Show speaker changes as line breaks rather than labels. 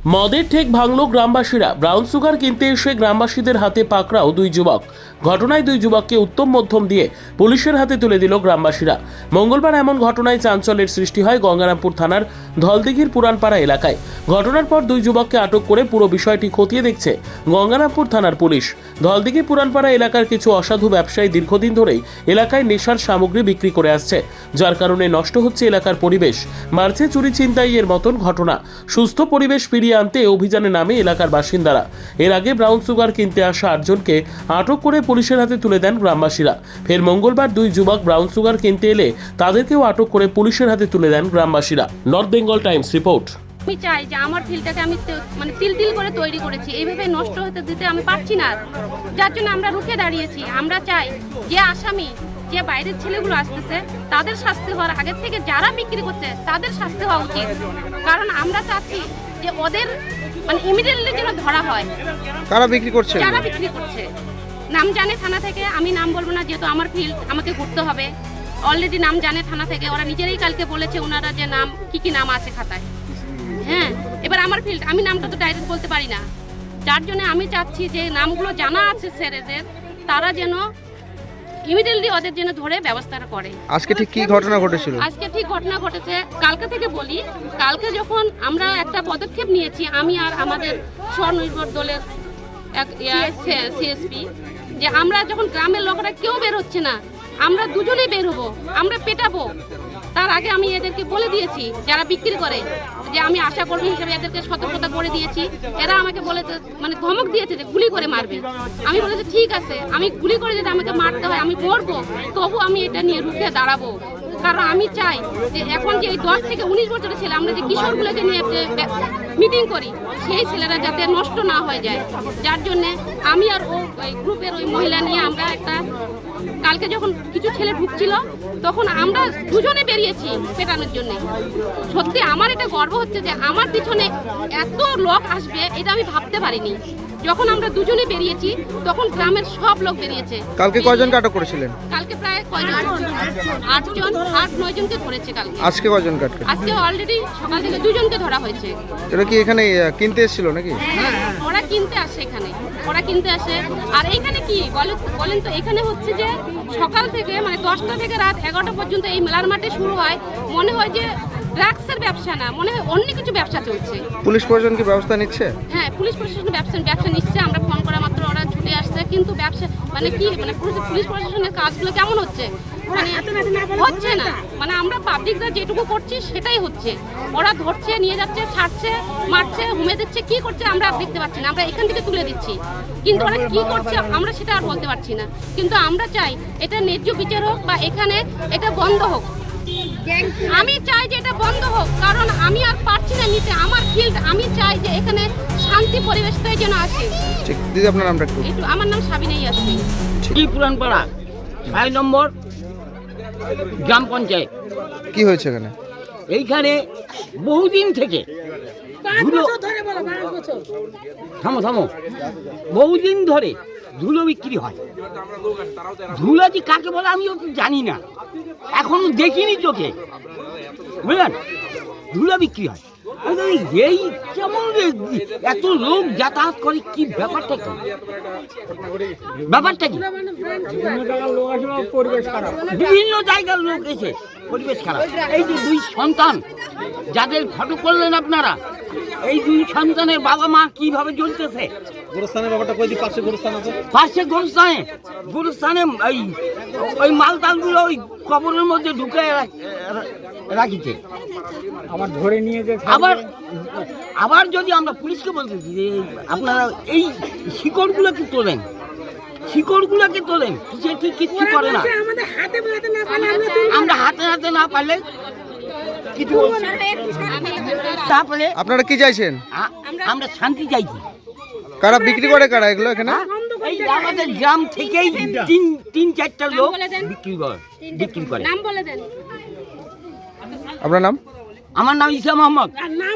মদের ঠেক ভাঙল গ্রামবাসীরা। ব্রাউন সুগার কিনতে এসে গ্রামবাসীদের হাতে পাকড়াও দুই যুবক। ঘটনায় দুই যুবককে উত্তম মধ্যম দিয়ে পুলিশের হাতে তুলে দিল গ্রামবাসীরা। মঙ্গলবার এমন ঘটনায় চাঞ্চল্যের সৃষ্টি হয় গঙ্গারামপুর থানার ধলদিঘির পুরানপাড়া এলাকায়। ঘটনার পর দুই যুবককে আটক করে পুরো বিষয়টি খতিয়ে দেখছে গঙ্গারামপুর থানার পুলিশ। ধলদিঘি পুরানপাড়া এলাকার কিছু অসাধু ব্যবসায়ী দীর্ঘদিন ধরেই এলাকায় নেশার সামগ্রী বিক্রি করে আসছে, যার কারণে নষ্ট হচ্ছে এলাকার পরিবেশ। মার্চে চুরি ছিনতাইয়ের মতন ঘটনা। সুস্থ পরিবেশ ফিরিয়ে আনতে অভিযানে নামে এলাকার বাসিন্দারা। এর আগে ব্রাউন সুগার কিনতে আসা 8 জনকে আটক করে পুলিশের হাতে তুলে দেন গ্রামবাসীরা। ফের মঙ্গলবার দুই যুবক ব্রাউন সুগার কিনতে এলে তাদেরকেও আটক করে পুলিশের হাতে তুলে দেন গ্রামবাসীরা। North Bengal Times report.
আমি চাই যে আমার ফিল্ডটাকে আমি তিল তিল করে তৈরি করেছি, এইভাবে নষ্ট হতে দিতে আমি পারছি না। যার জন্য আমরা রুখে দাঁড়িয়েছি। আমরা চাই যে আসামি, যে বাইরের ছেলেগুলো আসতেছে তাদের শাস্তি হওয়ার আগের থেকে যারা বিক্রি করছে তাদের শাস্তি হওয়া উচিত। কারণ আমরা চাচ্ছি যে ওদের ইমিডিয়েটলি যেন ধরা হয়।
কারা বিক্রি করছে?
যারা বিক্রি করছে নাম জানে থানা থেকে, আমি নাম বলবো না যেহেতু আমার ফিল্ড, আমাকে ঘুরতে হবে। অলরেডি নাম জানে থানা থেকে, ওরা নিজেরাই কালকে বলেছে ওনারা যে নাম কি নাম আছে খাতায়। হ্যাঁ, এবার আমার ফিল্ড, আমি নামটা তো ডাইরেক্ট বলতে পারি না। যার জন্য আমি চাচ্ছি যে নামগুলো জানা আছে স্যারেদের, তারা যেন ইমিডিয়েটলি ওদের জন্য ধরে ব্যবস্থাটা করে।
আজকে ঠিক কি ঘটনা ঘটেছিল?
আজকে ঠিক ঘটনা ঘটেছে, কালকে থেকে বলি। কালকে যখন আমরা একটা পদক্ষেপ নিয়েছি, আমি আর আমাদের স্বনির্ভর দলের এক সিএসপি, যে আমরা যখন গ্রামের লোকেরা কেউ বের হচ্ছে না, আমরা দুজনেই বের হবো, আমরা পেটাবো। তার আগে আমি এদেরকে বলে দিয়েছি যারা বিক্রি করে, যে আমি আশা কর্মী হিসেবে এদেরকে সতর্কতা করে দিয়েছি। এরা আমাকে বলেছে, ধমক দিয়েছে যে গুলি করে মারবে। আমি বলেছি ঠিক আছে, আমি গুলি করে যদি আমাকে মারতে হয় আমি মরবো, তবু আমি এটা নিয়ে রুখে দাঁড়াবো। কারণ আমি চাই যে এখন যে এই 10 থেকে 19 বছরের ছেলে, আমরা যে কিশোরগুলোকে নিয়ে মিটিং করি, সেই ছেলেরা যাতে নষ্ট না হয়ে যায়। যার জন্যে আমি আর ওই গ্রুপের ওই মহিলা নিয়ে আমরা একটা, কালকে যখন কিছু ছেলে ঢুকছিল তখন আমরা দুজনে বেরিয়েছি পেটানোর জন্য। সত্যি আমার এটা গর্ব হচ্ছে যে আমার পিছনে এত লোক আসবে এটা আমি ভাবতে পারিনি। যখন আমরা দুজনে বেরিয়েছি তখন গ্রামের সব লোক বেরিয়েছে।
কালকে কয়জনকে আটক করেছিলেন?
কালকে প্রায় 8-9 জনকে ধরেছে কালকে।
আজকে কয়জনকে আটক?
আজকে অলরেডি সকাল থেকে 2 জনকে ধরা হয়েছে।
এটা কি এখানে কিনতে এসেছিল নাকি?
হ্যাঁ, ওরা কিনতে আসে এখানে, ওরা কিনতে আসে। আর এইখানে কি বলেন তো, এখানে হচ্ছে যে সকাল থেকে 10টা থেকে রাত 11টা পর্যন্ত এই মেলার মাঠে শুরু হয়। মনে হয় যে ড্রাগসের ব্যবসা না, মনে হয় অন্য কিছু ব্যবসা চলছে।
পুলিশ প্রশাসন কি ব্যবস্থা নিচ্ছে?
হ্যাঁ, পুলিশ প্রশাসন ব্যবসা নিচ্ছে। আমরা ফোন করা মাত্র ওরা ছুটে আসছে। কিন্তু ব্যবসা পুলিশ প্রশাসনের কাজগুলো কেমন হচ্ছে? হচ্ছে না। আমরা পাবলিকরা যেটুকু করছি সেটাই হচ্ছে। ওরা ধরছে, নিয়ে যাচ্ছে, ছাড়ছে, মারছে, হুমে দিচ্ছে, কি করছে আমরা দেখতে পাচ্ছি না। আমরা এখান থেকে তুলে দিচ্ছি, কিন্তু ওরা কি করছে আমরা সেটা আর বলতে পারছি না। কিন্তু আমরা চাই এটা ন্যায্য বিচার হোক বা এখানে এটা বন্ধ হোক। আমি চাই যে এটা বন্ধ হোক, কারণ আমি আর পারছি না নিতে আমার ফিল্ড। আমি চাই যে এখানে শান্তি পরিবেশটাই যেন আসে।
ঠিক, দিদি আপনার নামটা একটু?
আমার নাম সাবিনা ইয়াসমিন।
পুরানপাড়া 6 নম্বর গ্রাম পঞ্চায়েত।
কি হয়েছে এখানে?
এইখানে বহুদিন থেকে থামো বহুদিন ধরে ধুলো বিক্রি হয়। ধুলো যে কাকে বলে আমি জানি না, এখনো দেখিনি চোখে, বুঝলেন? ধুলো বিক্রি হয়। এই কেমন এত লোক যাতায়াত করে, কি ব্যাপারটা কি? বিভিন্ন জায়গার লোক এসে পরিবেশ খারাপ। এই যে 2 সন্তান যাদের ফটো করলেন আপনারা, এই 2 সন্তানের বাবা মা কিভাবে জ্বলতেছে। পাশে গোরস্থানে ওই মালতালগুলো ওই কবরের মধ্যে ঢুকে রাখিছে। আবার ধরে নিয়ে আবার যদি আমরা পুলিশকে বলতেছি যে আপনারা এই শিকড়গুলোকে তোলেন, কিচ্ছু করে না। আমরা হাতে না পারলে কিছু। তারপরে
আপনারা কি চাইছেন?
আমরা শান্তি চাইছি।
কারা বিক্রি করে, কারা এগুলো এখানে?
আমাদের গ্রাম থেকেই 3-4টা লোক বিক্রি করে।
নাম বলে দেন।
আপনার নাম?
আমার নাম ইসা মোহাম্মদ।